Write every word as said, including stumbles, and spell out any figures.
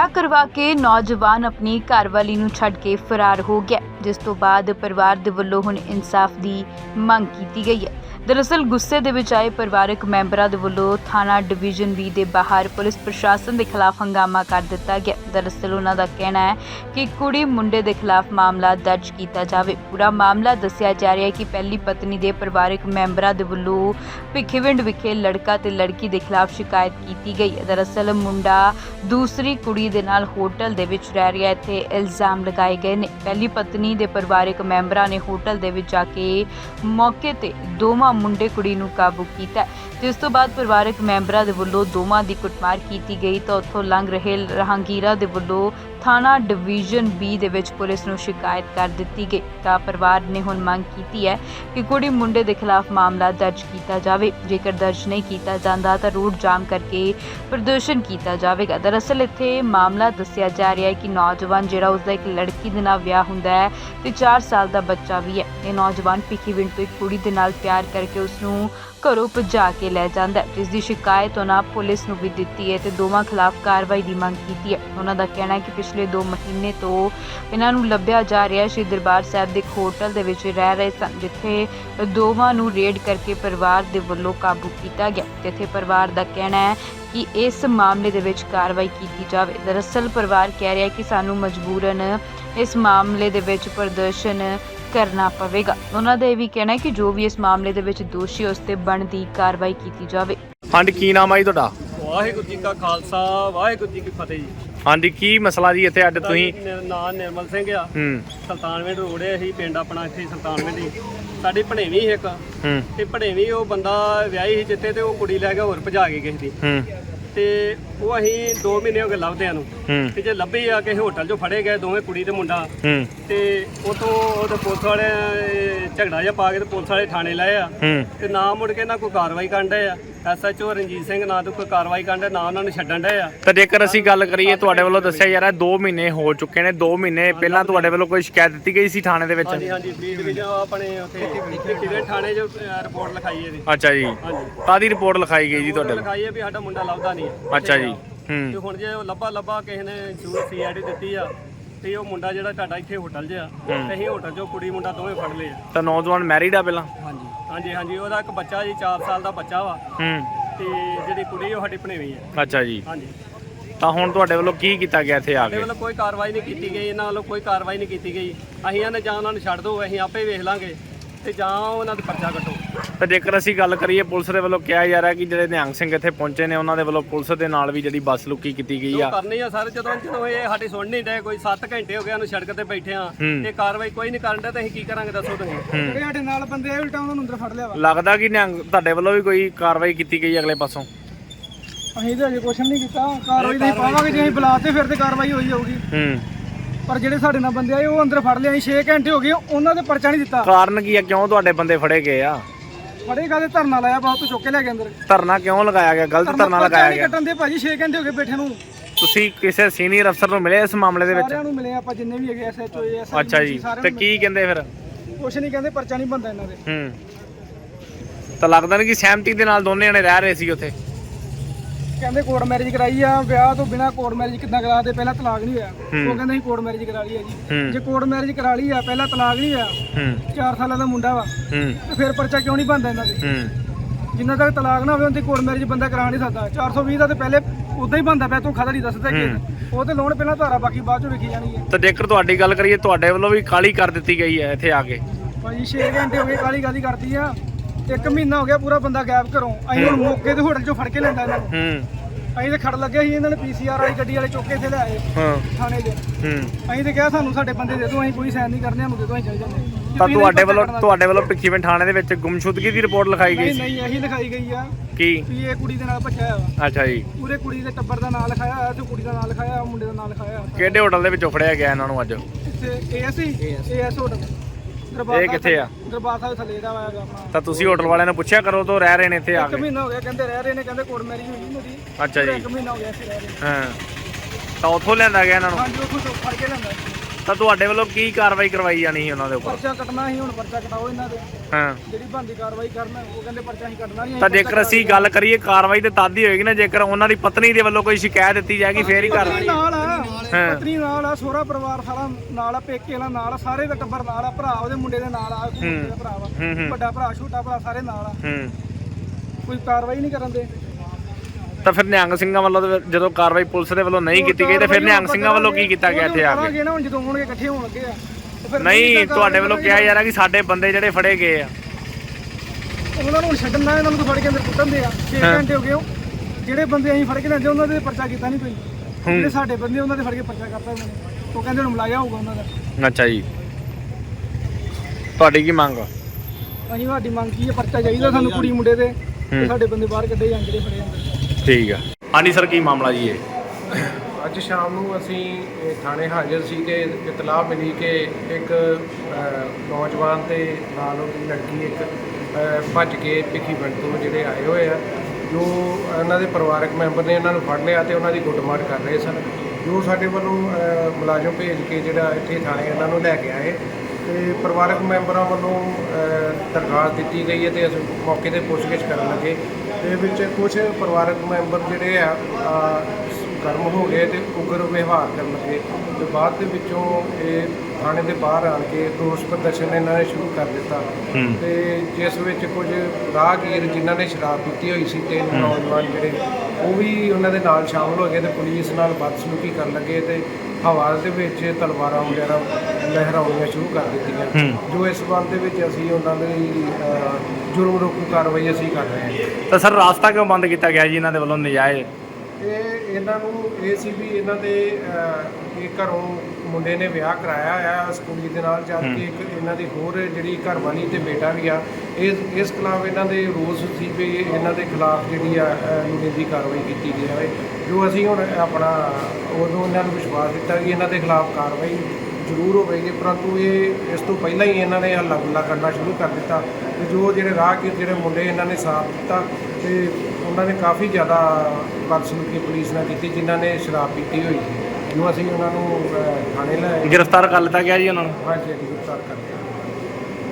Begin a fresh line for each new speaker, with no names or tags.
करवा के नौजवान अपनी घरवाली नूं छड्ड के फरार हो गया, जिस तो बाद परिवार दे वल्लों हुण इंसाफ दी मंग कीती गई है। दरअसल गुस्से दे विच आए परिवारक मैंबरां दे वल्लों थाना डिवीजन बी दे बाहर पुलिस प्रशासन के खिलाफ हंगामा कर दिता गया। दरअसल उन्हां दा कहना है कि कुड़ी मुंडे के खिलाफ मामला दर्ज किया जाए। पूरा मामला दस्सिया जा रहा है कि पहली पत्नी के परिवारक मैंबरां दे वल्लों भिखेविंड विखे लड़का ते लड़की के खिलाफ शिकायत की गई है। दरअसल मुंडा दूसरी कुड़ी दे नाल होटल दे विच रह रहा, इत्थे इल्जाम लगाए गए ने। पहली पत्नी के परिवारक मैंबरां ने होटल दे विच जाके मौके ते दोवां मुंडे कुड़ी नूं काबू कीता, जिस तो बाद परिवारक मैंबरां दे वल्लों दोवां दी कुटमार की गई तो उत्थों लंघ रहे राहगीरां दे वल्लों थाना डिवीजन बी दे विच पुलिस नूं शिकायत कर दित्ती गई। तां परिवार ने हुण मंग कीती है कि कुड़ी मुंडे दे खिलाफ मामला दर्ज किया जाए। जेकर दर्ज नहीं किया जाता तो रोड जाम करके प्रदर्शन किया जाएगा। दरअसल इत्थे मामला दस्सिया जा रहा है कि नौजवान जिहड़ा उसदा एक लड़की दे नाल विआह हुंदा है ते चार साल दा बच्चा भी है। ये नौजवान भिखेविंड तो एक कुड़ी दे नाल प्यार करके उसनूं घरों भजा के लै जांदा है, जिसकी शिकायत उन्हां पुलिस नूं भी दित्ती है ते दोवां खिलाफ कार्रवाई की मंग की है। उन्हां दा कहना है कि पिछले दो महीने तो इन्हां नूं लभ्या जा रहा है। श्री दरबार साहिब दे होटल दे विच रह रहे सन, जिथे दोवां नूं रेड करके परिवार दे वल्लों काबू किया गया। इत्थे परिवार दा कहना है कि इस मामले दे विच कार्रवाई की जाए। दरअसल परिवार कह रहा है कि सानूं मजबूरन इस मामले दे विच प्रदर्शन करना पवेगा। उन्होंने यह भी कहना है कि जो भी इस मामले दे विच दोषी उस ते बनदी कार्रवाई की जाए।
हाँ जी, की नाम है जी तुहाडा?
वाहिगुरू जी का खालसा वाहिगुरू जी की फतेह जी।
हाँ जी, की मसला जी इत्थे अड्ड तुसीं?
ਨਾਂ ਨਿਰਮਲ ਸਿੰਘ ਆ।
ਹੂੰ
ਸੁਲਤਾਨਵਿੰਡ ਰੋਡ ਹੈ ਹੀ ਪਿੰਡ ਆਪਣਾ ਇੱਥੇ ਸੁਲਤਾਨਵਿੰਡ ਹੀ। ਸਾਡੀ ਭਣੇਵੀਂ ਸੀ ਇੱਕ
ਹੂੰ
ਤੇ ਭਣੇਵੀਂ ਉਹ ਬੰਦਾ ਵਿਆਹੀ ਸੀ ਜਿੱਥੇ ਤੇ ਉਹ ਕੁੜੀ ਲੈ ਕੇ ਹੋਰ ਭਜਾ ਕੇ ਕਿਸੇ ਦੀ
ਹੂੰ
ਤੇ ਉਹ ਅਸੀਂ ਦੋ ਮਹੀਨੇ ਹੋ ਗਏ ਲੱਭਦਿਆਂ ਨੂੰ
ਹੂੰ
ਤੇ ਜੇ ਲੱਭੀ ਆ ਕਿਸੇ ਹੋਟਲ 'ਚੋਂ ਫੜੇ ਗਏ ਦੋਵੇਂ ਕੁੜੀ ਤੇ ਮੁੰਡਾ
ਹੂੰ
ਤੇ ਉਤੋਂ ਉਹਦੇ ਪੁਲਿਸ ਵਾਲੇ ਝਗੜਾ ਜਿਹਾ ਪਾ ਕੇ ਤੇ ਪੁਲਿਸ ਵਾਲੇ ਥਾਣੇ ਲਾਏ ਆ
ਹੂੰ
ਤੇ ਨਾ ਮੁੜ ਕੇ ਨਾ ਕੋਈ ਕਾਰਵਾਈ ਕਰਨ ਡਏ ਆ। S H O Ranjit Singh ਨਾ ਤੋਂ ਕੋਈ ਕਾਰਵਾਈ ਕਰਨ ਡਏ, ਨਾ ਉਹਨਾਂ ਨੂੰ ਛੱਡਣ ਡਏ ਆ।
ਤਾਂ ਜੇਕਰ ਅਸੀਂ ਗੱਲ ਕਰੀਏ ਤੁਹਾਡੇ ਵੱਲੋਂ ਦੱਸਿਆ ਜਾ ਰਿਹਾ ਦੋ ਮਹੀਨੇ ਹੋ ਚੁੱਕੇ ਨੇ, ਦੋ ਮਹੀਨੇ ਪਹਿਲਾਂ ਤੁਹਾਡੇ ਵੱਲੋਂ ਕੋਈ ਸ਼ਿਕਾਇਤ ਦਿੱਤੀ ਗਈ ਸੀ ਥਾਣੇ ਦੇ ਵਿੱਚ?
ਹਾਂਜੀ ਹਾਂਜੀ ਬੀ ਡਿਵੀਜ਼ਨ ਆਪਣੇ ਉੱਥੇ ਕਿਵੇਂ ਥਾਣੇ 'ਚ ਰਿਪੋਰਟ ਲਿਖਾਈ ਇਹਦੀ।
ਅੱਛਾ ਜੀ,
ਹਾਂਜੀ
ਕਾਹਦੀ ਰਿਪੋਰਟ ਲਿਖਾਈ ਗਈ ਜੀ ਤੁਹਾਡੇ ਵੱਲੋਂ?
ਲਿਖਾਈ ਹੈ ਵੀ ਸਾਡਾ ਮੁੰਡਾ ਲੱਭਦਾ ਨਹੀਂ ਹੈ।
ਅੱਛਾ ਜੀ।
ਤੇ
ਹੂੰ
ਹੁਣ ਜੇ ਉਹ ਲੱਭਾ ਲੱਭਾ ਕਿਸੇ ਨੇ ਜ਼ਰੂਰ ਸੀ ਆਈ ਡੀ ਦਿੱਤੀ ਆ ਤੇ ਉਹ ਮੁੰਡਾ ਜਿਹੜਾ ਤੁਹਾਡਾ ਇੱਥੇ ਹੋਟਲ 'ਚ ਆ ਤੇ ਅਸੀਂ ਹੋਟਲ 'ਚੋਂ ਕੁੜੀ ਮੁੰਡਾ ਦੋਵੇਂ ਫੜ ਲਏ ਆ।
ਤਾਂ ਨੌਜਵਾਨ ਮੈਰਿਡ ਆ ਪਹਿਲਾਂ?
ਹਾਂਜੀ ਹਾਂਜੀ ਹਾਂਜੀ ਉਹਦਾ ਇੱਕ ਬੱਚਾ ਜੀ ਚਾਰ ਸਾਲ ਦਾ ਬੱਚਾ ਵਾ
ਹੂੰ
ਤੇ ਜਿਹੜੀ ਕੁੜੀ ਉਹ ਸਾਡੀ ਭਣੇਵੀਂ ਆ।
ਅੱਛਾ ਜੀ।
ਹਾਂਜੀ
ਤਾਂ ਹੁਣ ਤੁਹਾਡੇ ਵੱਲੋਂ ਕੀ ਕੀਤਾ ਗਿਆ ਇੱਥੇ ਆ
ਸਾਡੇ
ਕੇ?
ਵੱਲੋਂ ਕੋਈ ਕਾਰਵਾਈ ਨਹੀਂ ਕੀਤੀ ਗਈ, ਇਹਨਾਂ ਵੱਲੋਂ ਕੋਈ ਕਾਰਵਾਈ ਨਹੀਂ ਕੀਤੀ ਗਈ। ਅਸੀਂ ਇਹਨਾਂ ਜਾਂ ਉਹਨਾਂ ਨੂੰ ਛੱਡ ਦਿਓ, ਅਸੀਂ ਆਪੇ ਵੇਖ ਲਾਂਗੇ ਤੇ ਜਾਂ ਉਹਨਾਂ ਦਾ ਪਰਚਾ ਕੱਟੋ।
ਤਾਂ ਜੇਕਰ ਅਸੀਂ ਗੱਲ ਕਰੀਏ ਪੁਲਿਸ ਦੇ ਵੱਲੋਂ ਕਿਹਾ ਜਾ ਰਿਹਾ ਕਿ ਜਿਹੜੇ ਨਿਹੰਗ ਸਿੰਘ ਇੱਥੇ ਪਹੁੰਚੇ ਨੇ ਉਹਨਾਂ ਦੇ ਵੱਲੋਂ ਪੁਲਿਸ ਦੇ ਨਾਲ ਵੀ ਜਿਹੜੀ ਬੱਸ ਲੁਕੀ ਕੀਤੀ ਗਈ ਆ।
ਕਰਨੀ ਆ ਸਰ, ਜਦੋਂ ਜਦੋਂ ਇਹ ਸਾਡੀ ਸੁਣ ਨਹੀਂ ਰਹੇ, ਕੋਈ ਸੱਤ ਘੰਟੇ ਹੋ ਗਏ ਉਹਨੂੰ ਸੜਕ ਤੇ ਬੈਠੇ ਆ ਤੇ ਕਾਰਵਾਈ ਕੋਈ ਨਹੀਂ ਕਰਨ ਦੇ ਤੇ ਅਸੀਂ ਕੀ ਕਰਾਂਗੇ ਦੱਸੋ ਤੁਸੀਂ?
ਹੂੰ
ਸਾਡੇ ਨਾਲ ਬੰਦੇ ਆ ਉਲਟਾ ਉਹਨਾਂ ਨੂੰ ਅੰਦਰ ਫੜ ਲਿਆ ਵਾ।
ਲੱਗਦਾ ਕਿ ਨਿਹੰਗ ਤੁਹਾਡੇ ਵੱਲੋਂ ਵੀ ਕੋਈ ਕਾਰਵਾਈ ਕੀਤੀ ਗਈ ਅਗਲੇ ਪਾਸੋਂ?
ਅਸੀਂ ਤਾਂ ਅਜੇ ਕੁਛ ਨਹੀਂ ਕੀਤਾ, ਕਾਰਵਾਈ ਨਹੀਂ ਪਾਵਾਂਗੇ। ਜੇ ਅਸੀਂ ਬੁਲਾਤੇ ਫਿਰ ਤੇ ਕਾਰਵਾਈ ਹੋਈ ਜਾਊਗੀ।
ਹੂੰ
ਪਰ ਜਿਹੜੇ ਸਾਡੇ ਨਾਲ ਬੰਦੇ ਆਏ ਉਹ ਅੰਦਰ ਫੜ ਲਿਆ। ਅਸੀਂ ਛੇ ਘੰਟੇ ਹੋ ਗਏ ਉਹਨਾਂ ਦੇ ਪਰਚਾ ਨਹੀਂ ਦਿੱਤਾ।
ਕਾਰਨ ਕੀ ਆ, ਕਿਉਂ ਤੁਹਾਡੇ ਬੰਦੇ ਫੜੇ ਗਏ ਆ?
ਫੜੇਗਾ ਤੇ ਧਰਨਾ ਲਾਇਆ, ਬਹੁਤ ਚੁੱਕ ਕੇ ਲੈ ਗਏ ਅੰਦਰ।
ਧਰਨਾ ਕਿਉਂ ਲਗਾਇਆ ਗਿਆ? ਗਲਤ ਧਰਨਾ ਲਗਾਇਆ ਗਿਆ।
ਕੱਟਣ ਦੇ ਭਾਜੀ ਛੇ ਘੰਟੇ ਹੋ ਗਏ ਬੈਠੇ ਨੂੰ।
ਤੁਸੀਂ ਕਿਸੇ ਸੀਨੀਅਰ ਅਫਸਰ ਨੂੰ ਮਿਲੇ ਇਸ ਮਾਮਲੇ ਦੇ ਵਿੱਚ?
ਸਾਰਿਆਂ ਨੂੰ ਮਿਲੇ ਆਪਾਂ, ਜਿੰਨੇ ਵੀ ਹੈਗੇ ਐਸ ਐਚ ਓ ਐਸ।
ਅੱਛਾ ਜੀ, ਤੇ ਕੀ ਕਹਿੰਦੇ ਫਿਰ?
ਕੁਛ ਨਹੀਂ ਕਹਿੰਦੇ, ਪਰਚਾ ਨਹੀਂ ਬੰਦਾ ਇਹਨਾਂ ਦੇ।
ਹੂੰ ਤਾਂ ਲੱਗਦਾ ਨਹੀਂ ਕਿ ਸਹਿਮਤੀ ਦੇ ਨਾਲ ਦੋਨੇ ਜਣੇ ਰਹਿ ਰਹੇ ਸੀ ਉੱਥੇ?
ਕਹਿੰਦੇ ਕੋਰਟ ਮੈਰਿਜ ਕਰਾਈ ਆ, ਵਿਆਹ ਤੋਂ ਬਿਨਾ ਕੋਰਟ ਮੈਰਿਜ ਕਿੱਦਾਂ ਕਰਾ ਦੇ? ਪਹਿਲਾਂ ਤਲਾਕ ਨਹੀਂ ਹੋਇਆ। ਉਹ ਕਹਿੰਦੇ ਅਸੀਂ ਕੋਰਟ ਮੈਰਿਜ ਕਰਾ ਲਈ ਆ ਜੀ। ਜੇ ਕੋਰਟ ਮੈਰਿਜ ਕਰਾ ਲਈ ਆ, ਪਹਿਲਾਂ ਤਲਾਕ ਨਹੀਂ ਹੋਇਆ,
ਹੂੰ
ਚਾਰ ਸਾਲਾਂ ਦਾ ਮੁੰਡਾ ਵਾ,
ਹੂੰ
ਤੇ ਫਿਰ ਪਰਚਾ ਕਿਉਂ ਨਹੀਂ ਬਣਦਾ ਇਹਨਾਂ ਦੇ?
ਹੂੰ
ਜਿੰਨਾ ਤੱਕ ਤਲਾਕ ਨਾ ਹੋਵੇ ਉਹਦੀ ਕੋਰਟ ਮੈਰਿਜ ਬੰਦਾ ਕਰਾ ਨਹੀਂ ਸਕਦਾ। ਚਾਰ ਸੌ ਵੀਹ ਦਾ ਤੇ ਪਹਿਲੇ ਉਦਾਂ ਹੀ ਬਣਦਾ ਪਿਆ, ਤੂੰ ਖਦਾ ਨਹੀਂ ਦੱਸਦਾ ਕਿ ਉਹ ਤੇ ਲੋਨ ਪਹਿਲਾਂ ਧਾਰਾ, ਬਾਕੀ ਬਾਅਦ ਚੋਂ ਵੇਖੀ ਜਾਣੀ ਹੈ।
ਤਾਂ ਜੇਕਰ ਤੁਹਾਡੀ ਗੱਲ ਕਰੀਏ ਤੁਹਾਡੇ ਵੱਲੋਂ ਵੀ ਕਾਲੀ ਕਰ ਦਿੱਤੀ ਗਈ ਹੈ ਇੱਥੇ ਆ ਕੇ?
ਭਾਜੀ ਛੇ ਘੰਟੇ ਹੋ ਗਏ ਕਾਲੀ ਕਾਲੀ ਕਰਦੀ ਆ। ਇੱਕ ਮਹੀਨਾ ਹੋ ਗਿਆ ਪੂਰਾ ਬੰਦਾ ਗਾਇਬ ਘਰੋਂ। ਅਸੀਂ ਹੁਣ ਮੌਕੇ ਤੇ ਹੋਟਲ ਚੋਂ ਫੜ ਕੇ ਲੈਂਦਾ ਇਹਨਾਂ ਨੂੰ।
ਹੂੰ
ਅਸੀਂ ਤੇ ਖੜ ਲੱਗੇ ਸੀ, ਇਹਨਾਂ ਨੇ ਪੀ ਸੀ ਆਰ ਵਾਲੀ ਗੱਡੀ ਵਾਲੇ ਚੁੱਕ ਕੇ ਇੱਥੇ ਲੈ ਆਏ
ਹਾਂ
ਥਾਣੇ 'ਚ।
ਹੂੰ
ਅਸੀਂ ਤੇ ਕਿਹਾ ਸਾਨੂੰ ਸਾਡੇ ਬੰਦੇ ਦੇ ਦਿਓ, ਅਸੀਂ ਕੋਈ ਸਾਈਨ ਨਹੀਂ ਕਰਨੇ, ਸਾਨੂੰ ਦੇ ਦਿਓ, ਅਸੀਂ ਚੱਲ ਜਾਂਦੇ।
ਤਾਂ ਤੁਹਾਡੇ ਵੱਲੋਂ ਤੁਹਾਡੇ ਵੱਲੋਂ ਭਿੱਖੀਵਿੰਡ ਥਾਣੇ ਦੇ ਵਿੱਚ ਗੁੰਮਸ਼ੁਦਗੀ ਦੀ ਰਿਪੋਰਟ ਲਿਖਾਈ ਗਈ
ਨਹੀਂ
ਸੀ?
ਨਹੀਂ ਇਹੀ ਲਿਖਾਈ ਗਈ ਆ
ਕੀ?
ਵੀ ਇਹ ਕੁੜੀ ਦੇ ਨਾਲ ਭੱਜਿਆ ਵਾ।
ਅੱਛਾ ਜੀ।
ਪੂਰੇ ਕੁੜੀ ਦੇ ਟੱਬਰ ਦਾ ਨਾਂ ਲਿਖਾਇਆ ਹੋਇਆ ਤੇ ਕੁੜੀ ਦਾ ਨਾਂ ਲਿਖਾਇਆ ਹੋਇਆ, ਮੁੰਡੇ ਦਾ ਨਾਂ ਲਿਖਾਇਆ ਹੋਇਆ।
ਕਿਹੜੇ ਹੋਟਲ ਦੇ ਵਿੱਚੋਂ ਫੜਿਆ ਗਿਆ ਇਹਨਾਂ ਨੂੰ ਅੱਜ?
ਇੱਥੇ A S C A S hotel Darbar.
ਇਹ ਕਿੱਥੇ ਆ?
ਦਰਬਾਰ ਸਾਹਿਬ ਥੱਲੇ ਦਾ ਆਇਆ ਆਪਣਾ।
ਤਾਂ ਤੁਸੀਂ ਹੋਟਲ ਵਾਲਿਆਂ ਨੂੰ ਪੁੱਛਿਆ ਕਰੋ ਤੋਂ ਰਹਿ ਰਹੇ ਨੇ ਇੱਥੇ ਆ
ਇੱਕ
ਕੇ?
ਮਹੀਨਾ ਹੋ ਗਿਆ ਕਹਿੰਦੇ ਰਹਿ ਰਹੇ ਨੇ, ਕਹਿੰਦੇ ਕੋਰਟ ਮੈਰਿਜ ਹੋਈ ਮੇਰੀ।
ਅੱਛਾ ਜੀ।
ਇੱਕ ਮਹੀਨਾ ਹੋ ਗਿਆ ਇੱਥੇ ਰਹਿ ਰਹੇ।
ਹਾਂ ਤਾਂ ਉੱਥੋਂ ਲਿਆਂਦਾ ਗਿਆ ਇਹਨਾਂ ਨੂੰ?
ਹਾਂਜੀ ਉੱਥੋਂ ਚੁੱਕ ਫੜ ਕੇ ਲਿਆਂਦਾ।
ਤਾਂ ਤੁਹਾਡੇ ਵੱਲੋਂ ਕੀ ਕਾਰਵਾਈ ਕਰਵਾਈ ਜਾਣੀ ਸੀ ਉਹਨਾਂ ਦੇ ਉੱਪਰ?
ਪਰਚਾ ਕੱਟਣਾ ਸੀ, ਹੁਣ ਪਰਚਾ ਕਟਾਓ ਇਹਨਾਂ ਦੇ।
ਹਾਂ
ਜਿਹੜੀ ਬਣਦੀ ਕਾਰਵਾਈ ਕਰਨਾ, ਉਹ ਕਹਿੰਦੇ ਪਰਚਾ ਹੀ ਕੱਟਣਾ ਨਹੀਂ।
ਤਾਂ ਜੇਕਰ ਅਸੀਂ ਗੱਲ ਕਰੀਏ ਕਾਰਵਾਈ ਤੇ ਤਦ ਹੀ ਹੋਏਗੀ ਨਾ ਜੇਕਰ ਉਹਨਾਂ ਦੀ ਪਤਨੀ ਦੇ ਵੱਲੋਂ ਕੋਈ ਸ਼ਿਕਾਇਤ ਦਿੱਤੀ ਜਾਏਗੀ ਫੇਰ ਹੀ ਕਰ
ਨਾਲ ਆ
ਹਾਂ।
ਪਤਨੀ ਨਾਲ ਆ, ਸਹੁਰਾ ਪਰਿਵਾਰ ਸਾਰਾ ਨਾਲ ਆ, ਪੇਕੇ ਵਾਲਾ ਨਾਲ ਆ, ਸਾਰੇ ਦਾ ਟੱਬਰ ਨਾਲ ਆ, ਭਰਾ ਉਹਦੇ ਮੁੰਡੇ ਦੇ ਨਾਲ ਆ, ਮੁੰਡੇ ਦਾ ਭਰਾ ਵਾ,
ਹੂੰ, ਹੂੰ।
ਵੱਡਾ ਭਰਾ ਛੋਟਾ ਭਰਾ ਸਾਰੇ ਨਾਲ ਆ,
ਹੂੰ
ਕੋਈ ਕਾਰਵਾਈ ਨਹੀਂ ਕਰਨ ਦੇ।
ਤਾਂ ਫਿਰ ਨਿਹੰਗ ਸਿੰਘਾਂ ਵੱਲੋਂ ਤਾਂ ਜਦੋਂ ਕਾਰਵਾਈ ਪੁਲਿਸ ਦੇ ਵੱਲੋਂ ਨਹੀਂ ਕੀਤੀ ਗਈ ਤੇ ਫਿਰ ਨਿਹੰਗ ਸਿੰਘਾਂ ਵੱਲੋਂ ਕੀ ਕੀਤਾ ਗਿਆ ਇੱਥੇ ਆ ਕੇ?
ਕਰਾਂਗੇ ਨਾ ਹੁਣ ਜਦੋਂ ਹੋਣਗੇ ਇਕੱਠੇ ਹੋਣ ਲੱਗੇ ਆ ਤੇ ਫਿਰ
ਨਹੀਂ, ਤੁਹਾਡੇ ਵੱਲੋਂ ਕਿਹਾ ਜਾ ਰਿਹਾ ਕਿ ਸਾਡੇ ਬੰਦੇ ਜਿਹੜੇ ਫੜੇ ਗਏ ਆ।
ਉਹਨਾਂ ਨੂੰ ਹੁਣ ਛੱਡਣਾ, ਇਹਨਾਂ ਨੂੰ ਤਾਂ ਫੜ ਕੇ ਅੰਦਰ ਕੁੱਟਣ ਦੇ ਆ। ਛੇ
ਹਾਂ।
ਘੰਟੇ ਹੋ ਗਏ ਉਹ ਜਿਹੜੇ ਬੰਦੇ ਅਸੀਂ ਫੜ ਕੇ ਲੈਂਦੇ ਉਹਨਾਂ ਦੇ ਪਰਚਾ ਕੀਤਾ ਨਹੀਂ ਕੋਈ, ਜਿਹੜੇ ਸਾਡੇ ਬੰਦੇ ਉਹਨਾਂ ਦੇ ਫੜ ਕੇ ਪਰਚਾ ਕਰਤਾ ਉਹਨਾਂ ਨੇ। ਉਹ ਕਹਿੰਦੇ ਹੁਣ ਮਲਾਇਆ ਹੋਊਗਾ ਉਹਨਾਂ ਦਾ।
ਅੱਛਾ ਜੀ, ਤੁਹਾਡੀ ਕੀ ਮੰਗ ਆ?
ਅਸੀਂ ਸਾਡੀ ਮੰਗ ਕੀ ਹੈ, ਪਰਚਾ ਚਾਹੀਦਾ ਸਾਨੂੰ ਕੁੜੀ ਮੁੰਡੇ ਦੇ, ਤੇ ਸਾਡੇ ਬੰਦੇ ਬਾਹਰ ਕੱਢੇ ਜਾਣ ਜਿਹੜੇ ਫੜੇ ਅੰਦਰ।
ਠੀਕ ਆ। ਹਾਂਜੀ ਸਰ, ਕੀ ਮਾਮਲਾ ਜੀ ਇਹ?
ਅੱਜ ਸ਼ਾਮ ਨੂੰ ਅਸੀਂ ਇਹ ਥਾਣੇ ਹਾਜ਼ਰ ਸੀ ਕਿ ਇਤਲਾਹ ਮਿਲੀ ਕਿ ਇੱਕ ਅ, ਨੌਜਵਾਨ ਤੇ ਨਾਲ ਉਹਦੀ ਲੜਕੀ ਇੱਕ ਅ, ਭੱਜ ਕੇ ਭਿੱਖੀਵਿੰਡ ਤੋਂ ਜਿਹੜੇ ਆਏ ਹੋਏ ਆ, ਜੋ ਉਹਨਾਂ ਦੇ ਪਰਿਵਾਰਕ ਮੈਂਬਰ ਨੇ ਇਹਨਾਂ ਨੂੰ ਫੜ ਲਿਆ ਤੇ ਉਹਨਾਂ ਦੀ ਕੁੱਟਮਾਰ ਕਰ ਰਹੇ ਸਨ। ਜੋ ਸਾਡੇ ਵੱਲੋਂ ਅ, ਮੁਲਾਜ਼ਮ ਭੇਜ ਕੇ ਜਿਹੜਾ ਇੱਥੇ ਥਾਣੇ ਇਹਨਾਂ ਨੂੰ ਲੈ ਕੇ ਆਏ ਤੇ ਪਰਿਵਾਰਕ ਮੈਂਬਰਾਂ ਵੱਲੋਂ ਅ, ਦਰਖਾਸਤ ਦਿੱਤੀ ਗਈ ਹੈ ਤੇ ਅਸੀਂ ਮੌਕੇ ਤੇ ਪੁੱਛਗਿੱਛ ਕਰਨ ਲੱਗੇ ਤੇ ਵਿੱਚ ਕੁਝ ਪਰਿਵਾਰਕ ਮੈਂਬਰ ਜਿਹੜੇ ਆ ਅ, ਗਰਮ ਹੋ ਗਏ ਤੇ ਉਗਰ ਵਿਵਹਾਰ ਕਰਨ ਲੱਗੇ ਤੇ ਬਾਅਦ ਦੇ ਵਿੱਚੋਂ ਇਹ ਥਾਣੇ ਦੇ ਬਾਹਰ ਆਣ ਕੇ ਰੋਸ ਪ੍ਰਦਰਸ਼ਨ ਇਹਨਾਂ ਨੇ ਸ਼ੁਰੂ ਕਰ ਦਿੱਤਾ ਤੇ ਜਿਸ ਵਿੱਚ ਕੁਝ ਰਾਹਗੀਰ ਜਿਨ੍ਹਾਂ ਨੇ ਸ਼ਰਾਬ ਪੀਤੀ ਹੋਈ ਸੀ ਤੇ ਨੌਜਵਾਨ ਜਿਹੜੇ ਉਹ ਵੀ ਉਹਨਾਂ ਦੇ ਨਾਲ ਸ਼ਾਮਲ ਹੋ ਗਏ ਤੇ ਪੁਲਿਸ ਨਾਲ ਬਦਸਲੂਕੀ ਕਰਨ ਲੱਗੇ ਤੇ ਹਵਾ ਦੇ ਵਿੱਚ ਤਲਵਾਰਾਂ ਵਗੈਰਾ ਲਹਿਰਾਉਣੀਆਂ ਸ਼ੁਰੂ ਕਰ ਦਿੱਤੀਆਂ, ਜੋ ਇਸ ਸੰਬੰਧ ਦੇ ਵਿੱਚ ਅਸੀਂ ਉਹਨਾਂ ਦੀ ਅ, ਜੁਰਮ ਰੋਕੂ ਕਾਰਵਾਈ ਅਸੀਂ ਕਰ ਰਹੇ ਹਾਂ।
ਤਾਂ ਸਰ ਰਾਸਤਾ ਕਿਉਂ ਬੰਦ ਕੀਤਾ ਗਿਆ ਜੀ ਇਹਨਾਂ ਦੇ ਵੱਲੋਂ ਨਜਾਇਜ਼?
ਇਹ ਇਹਨਾਂ ਨੂੰ ਇਹ ਸੀ ਵੀ ਇਹਨਾਂ ਦੇ ਅਹ, ਇਹ ਘਰੋਂ ਮੁੰਡੇ ਨੇ ਵਿਆਹ ਕਰਾਇਆ ਆ ਇਸ ਕੁੜੀ ਦੇ ਨਾਲ, ਜਦ ਕਿ ਇੱਕ ਇਹਨਾਂ ਦੀ ਹੋਰ ਜਿਹੜੀ ਘਰਵਾਲੀ ਤੇ ਬੇਟਾ ਵੀ ਆ। ਇਸ ਇਸ ਖਿਲਾਫ ਇਹਨਾਂ ਦੇ ਰੋਸ ਸੀ ਵੀ ਇਹਨਾਂ ਦੇ ਖਿਲਾਫ ਜਿਹੜੀ ਆ ਲੋੜੀਂਦੀ ਕਾਰਵਾਈ ਕੀਤੀ ਜਾਵੇ, ਜੋ ਅਸੀਂ ਹੁਣ ਆਪਣਾ ਉਦੋਂ ਇਹਨਾਂ ਨੂੰ ਵਿਸ਼ਵਾਸ ਦਿੱਤਾ ਕਿ ਇਹਨਾਂ ਦੇ ਖਿਲਾਫ ਕਾਰਵਾਈ ਜ਼ਰੂਰ ਹੋਵੇਗੀ, ਪਰੰਤੂ ਇਹ ਇਸ ਤੋਂ ਪਹਿਲਾਂ ਹੀ ਇਹਨਾਂ ਨੇ ਹੱਲਾ ਗੁੱਲਾ ਕਰਨਾ ਸ਼ੁਰੂ ਕਰ ਦਿੱਤਾ ਤੇ ਜੋ ਜਿਹੜੇ ਰਾਹਗੀਰ ਜਿਹੜੇ ਮੁੰਡੇ ਇਹਨਾਂ ਨੇ ਸਾਥ ਦਿੱਤਾ ਤੇ ਉਹਨਾਂ ਨੇ ਕਾਫੀ ਜ਼ਿਆਦਾ ਬਦਸਲੂਕੀ ਪੁਲਿਸ ਨਾਲ ਕੀਤੀ, ਜਿਨ੍ਹਾਂ ਨੇ ਸ਼ਰਾਬ ਪੀਤੀ ਹੋਈ ਸੀ, ਜੋ ਅਸੀਂ ਉਹਨਾਂ ਨੂੰ ਅਹ, ਥਾਣੇ ਲੈ
ਗ੍ਰਿਫਤਾਰ ਕਰ ਲਿੱਤਾ ਗਿਆ ਜੀ ਉਹਨਾਂ ਨੂੰ?
ਹਾਂਜੀ ਗ੍ਰਿਫਤਾਰ ਕਰ ਲਿਆ।